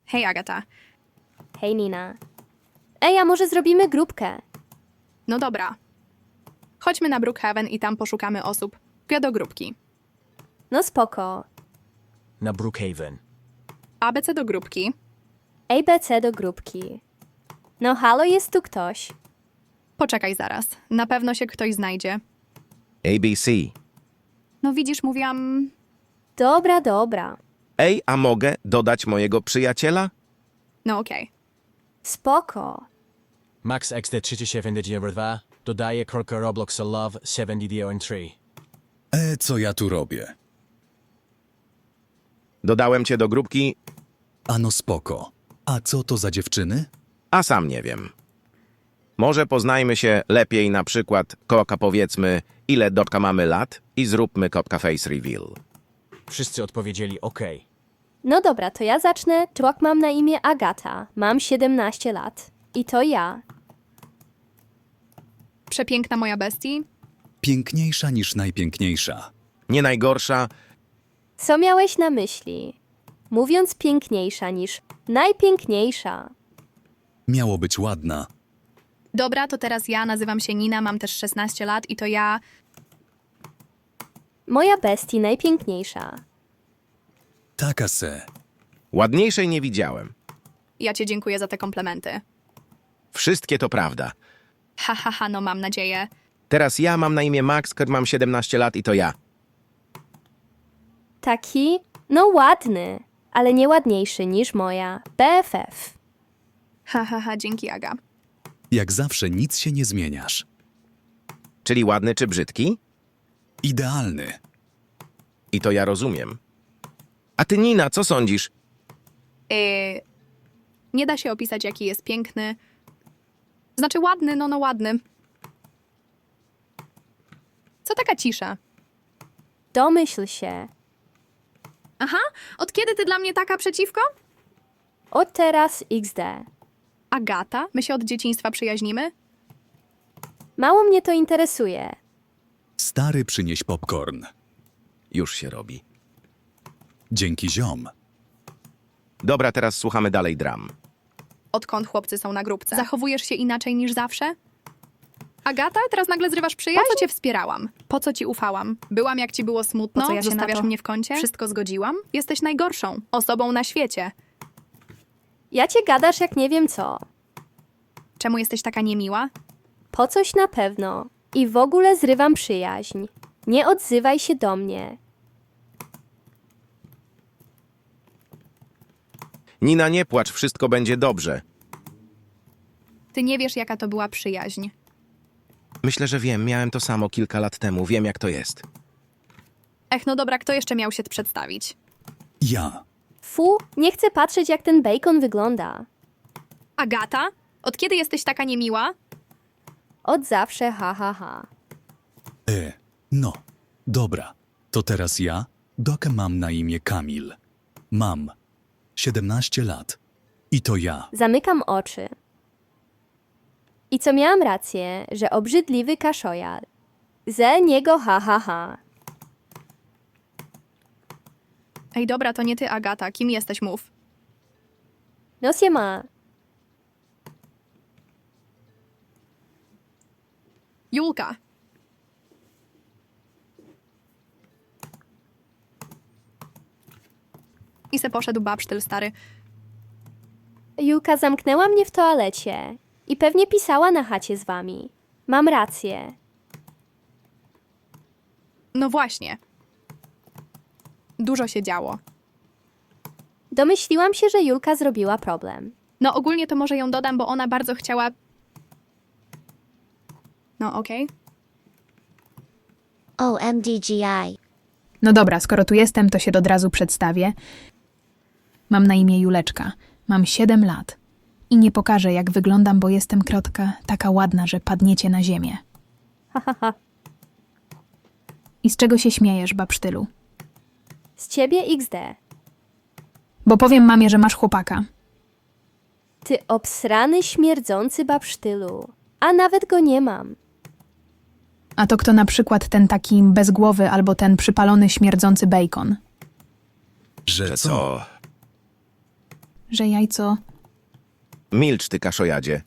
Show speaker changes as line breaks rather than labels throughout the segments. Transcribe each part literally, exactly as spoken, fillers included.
Hej, Agata.
Hej, Nina. Ej, a może zrobimy grupkę?
No dobra. Chodźmy na Brookhaven i tam poszukamy osób do grupki.
No spoko.
Na Brookhaven.
A B C do grupki.
A B C do grupki. No halo, jest tu ktoś.
Poczekaj zaraz. Na pewno się ktoś znajdzie.
A B C.
No widzisz, mówiłam...
Dobra, dobra.
Ej, a mogę dodać mojego przyjaciela?
No okej.
Spoko.
Max X D trzydzieści siedem dwa dodaje krolka Robloxa Love siedemdziesiąt trzy.
E, co ja tu robię?
Dodałem cię do grupki,
Ano spoko. A co to za dziewczyny?
a sam nie wiem. Może poznajmy się lepiej, na przykład koka powiedzmy, ile dotka mamy lat i zróbmy kopka face reveal.
Wszyscy odpowiedzieli OK.
No dobra, to ja zacznę. Człok mam na imię Agata. Mam siedemnaście lat. I to ja.
Przepiękna moja bestii.
Piękniejsza niż najpiękniejsza.
Nie najgorsza,
Co miałeś na myśli? Mówiąc piękniejsza niż najpiękniejsza.
Miało być ładna.
Dobra, to teraz ja. Nazywam się Nina, mam też szesnaście lat i to ja...
Moja bestii najpiękniejsza.
Taka se.
ładniejszej nie widziałem.
Ja cię dziękuję za te komplementy.
Wszystkie to prawda.
Ha, ha, ha, no mam nadzieję.
Teraz ja mam na imię Max, mam siedemnaście lat i to ja.
Taki, no ładny, ale nie ładniejszy niż moja B F F.
Ha, ha, ha, dzięki, Aga.
Jak zawsze nic się nie zmieniasz.
Czyli ładny czy brzydki?
Idealny.
I to ja rozumiem. A ty, Nina, co sądzisz?
Yy, nie da się opisać, jaki jest piękny. Znaczy ładny, no no ładny. Co taka cisza?
Domyśl się.
Aha, od kiedy ty dla mnie taka przeciwko?
Od teraz X D.
Agata, my się od dzieciństwa przyjaźnimy?
Mało mnie to interesuje.
Stary, przynieś popcorn.
Już się robi.
Dzięki ziom.
Dobra, teraz słuchamy dalej dram.
Odkąd chłopcy są na grupce? Zachowujesz się inaczej niż zawsze? Agata, teraz nagle zrywasz przyjaźń? Po co cię wspierałam? Po co ci ufałam? Byłam, jak ci było smutno?
Po co ja się na
Zostawiasz
to-
mnie w kącie? Wszystko zgodziłam? Jesteś najgorszą osobą na świecie.
Ja cię gadasz jak nie wiem co.
Czemu jesteś taka niemiła?
Po coś na pewno. I w ogóle zrywam przyjaźń. Nie odzywaj się do mnie.
Nina, nie płacz, wszystko będzie dobrze.
Ty nie wiesz, jaka to była przyjaźń.
Myślę, że wiem, miałem to samo kilka lat temu, wiem jak to jest.
Ech, no dobra, kto jeszcze miał się przedstawić?
Ja.
Fu, nie chcę patrzeć jak ten bacon wygląda.
Agata? Od kiedy jesteś taka niemiła?
Od zawsze ha ha ha.
E, no. Dobra. To teraz ja, dokę mam na imię Kamil. Mam siedemnaście lat. I to ja.
Zamykam oczy. I co miałam rację, że obrzydliwy kaszojar. Ze niego ha ha ha.
Ej, dobra, to nie ty, Agata. Kim jesteś, mów?
No się ma.
Julka. I se poszedł babsztyl stary.
Julka zamknęła mnie w toalecie. I pewnie pisała na chacie z wami. Mam rację.
No właśnie. Dużo się działo.
Domyśliłam się, że Julka zrobiła problem.
No ogólnie to może ją dodam, bo ona bardzo chciała... No okej.
O M D G I.
No dobra, skoro tu jestem, to się od razu przedstawię. Mam na imię Juleczka, mam siedem lat i nie pokażę, jak wyglądam, bo jestem krotka taka ładna, że padniecie na ziemię.
Ha ha ha.
I z czego się śmiejesz, babsztylu?
Z ciebie X D.
Bo powiem mamie, że masz chłopaka.
Ty obsrany, śmierdzący babsztylu. A nawet go nie mam.
A to kto na przykład ten taki bez głowy albo ten przypalony, śmierdzący bacon?
Że
Że
co?
co?
że jajco...
Milcz, ty kaszojadzie.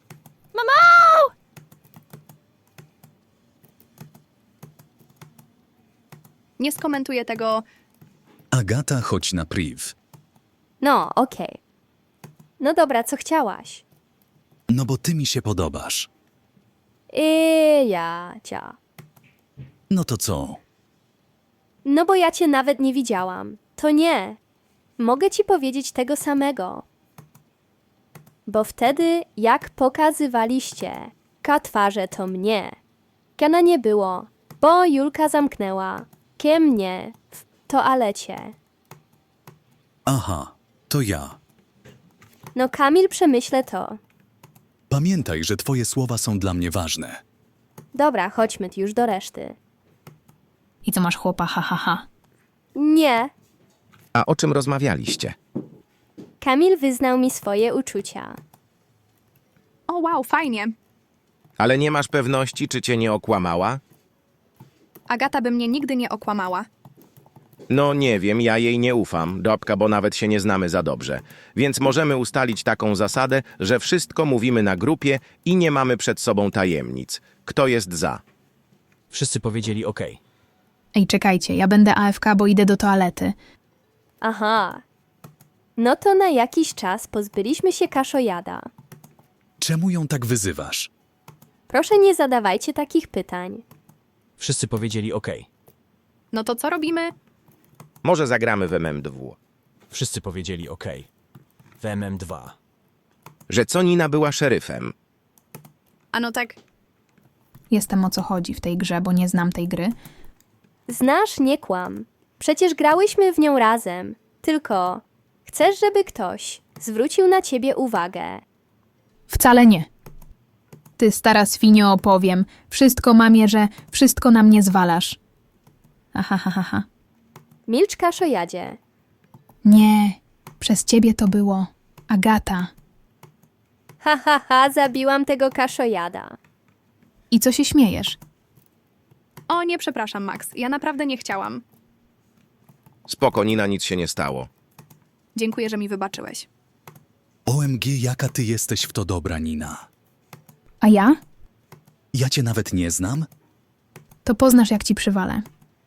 Nie skomentuję tego.
Agata, chodź na priv.
No, okej. No dobra, co chciałaś?
No bo ty mi się podobasz.
I ja cia.
No to co?
No bo ja cię nawet nie widziałam. To nie. Mogę ci powiedzieć tego samego. Bo wtedy, jak pokazywaliście, ka twarze to mnie. Kana nie było, bo Julka zamknęła. Kie mnie w toalecie.
Aha, to ja.
No Kamil, przemyślę to.
Pamiętaj, że twoje słowa są dla mnie ważne.
Dobra, chodźmy już do reszty.
I co masz chłopa, ha, ha, ha.
Nie.
A o czym rozmawialiście?
Kamil wyznał mi swoje uczucia.
O wow, fajnie.
Ale nie masz pewności, czy cię nie okłamała?
Agata by mnie nigdy nie okłamała.
No nie wiem, ja jej nie ufam, Dobka, bo nawet się nie znamy za dobrze. Więc możemy ustalić taką zasadę, że wszystko mówimy na grupie i nie mamy przed sobą tajemnic. Kto jest za?
Wszyscy powiedzieli OK.
Ej, czekajcie, ja będę A F K, bo idę do toalety.
Aha. No to na jakiś czas pozbyliśmy się kaszojada.
Czemu ją tak wyzywasz?
Proszę nie zadawajcie takich pytań.
Wszyscy powiedzieli OK.
No to co robimy?
Może zagramy w M M dwa.
Wszyscy powiedzieli OK. W M M dwa.
Że co Nina była szeryfem.
A no tak,
Jestem o co chodzi w tej grze, bo nie znam tej gry.
Znasz, nie kłam. Przecież grałyśmy w nią razem. Tylko chcesz, żeby ktoś zwrócił na ciebie uwagę.
Wcale nie. Ty, stara swinio, opowiem. Wszystko, mamie, że wszystko na mnie zwalasz. Aha, ha, ha, ha.
Milcz, kaszojadzie.
Nie, przez ciebie to było. Agata.
Ha, ha, ha, zabiłam tego kaszojada.
I co się śmiejesz?
o nie, przepraszam, Max. Ja naprawdę nie chciałam.
Spoko, Nina, nic się nie stało.
Dziękuję, że mi wybaczyłeś.
O M G, jaka ty jesteś w to dobra, Nina.
A ja?
Ja cię nawet nie znam?
To poznasz, jak ci przywalę.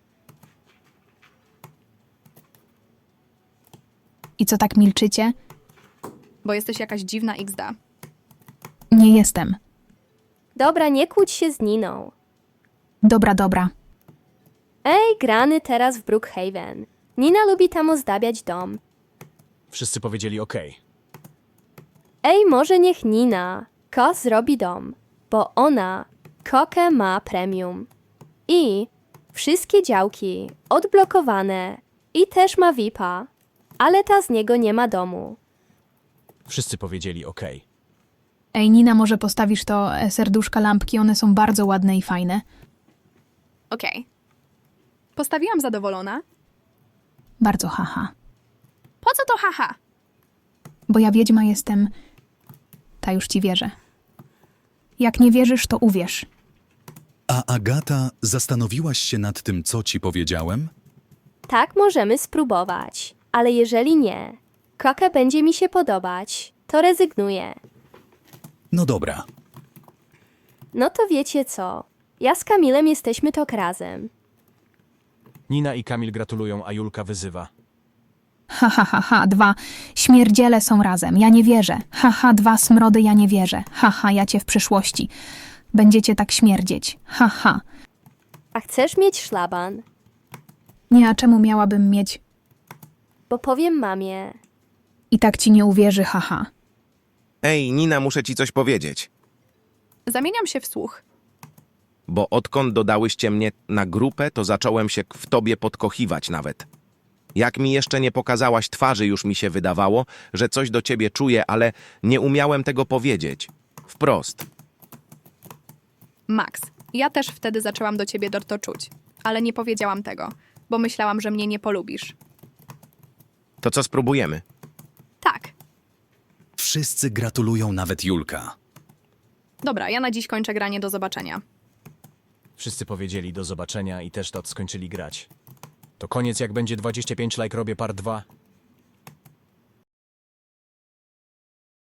I co tak milczycie?
Bo jesteś jakaś dziwna iks da.
Nie jestem.
Dobra, nie kłóć się z Niną.
Dobra, dobra.
Ej, grany teraz w Brookhaven. Nina lubi tam ozdabiać dom.
Wszyscy powiedzieli OK.
Ej, może niech Nina ko zrobi dom, bo ona kokę ma premium. I wszystkie działki odblokowane i też ma V I P-a, ale ta z niego nie ma domu.
Wszyscy powiedzieli OK.
Ej, Nina, może postawisz to e, serduszka lampki, one są bardzo ładne i fajne.
Okej. Postawiłam zadowolona.
Bardzo haha.
Po co to haha?
Bo ja wiedźma jestem... Ta już ci wierzę. Jak nie wierzysz, to uwierz.
A Agata, zastanowiłaś się nad tym, co ci powiedziałem?
Tak możemy spróbować, ale jeżeli nie, koka będzie mi się podobać, to rezygnuję.
No dobra.
No to wiecie co, ja z Kamilem jesteśmy tok razem.
Nina i Kamil gratulują, a Julka wyzywa.
Ha, ha, ha, ha, dwa. Śmierdziele są razem. Ja nie wierzę. Ha, ha, dwa smrody, ja nie wierzę. Ha, ha, ja cię w przyszłości. Będziecie tak śmierdzieć. Ha, ha.
A chcesz mieć szlaban?
Nie, a czemu miałabym mieć...
Bo powiem mamie.
I tak ci nie uwierzy, ha, ha.
Ej, Nina, muszę ci coś powiedzieć.
Zamieniam się w słuch.
Bo odkąd dodałyście mnie na grupę, to zacząłem się w tobie podkochiwać nawet. Jak mi jeszcze nie pokazałaś twarzy, już mi się wydawało, że coś do ciebie czuję, ale nie umiałem tego powiedzieć. Wprost.
Max, ja też wtedy zaczęłam do ciebie to czuć. Ale nie powiedziałam tego, bo myślałam, że mnie nie polubisz.
To co spróbujemy?
Tak.
Wszyscy gratulują, nawet Julka.
Dobra, ja na dziś kończę granie, do zobaczenia.
Wszyscy powiedzieli do zobaczenia i też to skończyli grać. To koniec, jak będzie dwadzieścia pięć like, robię part dwa.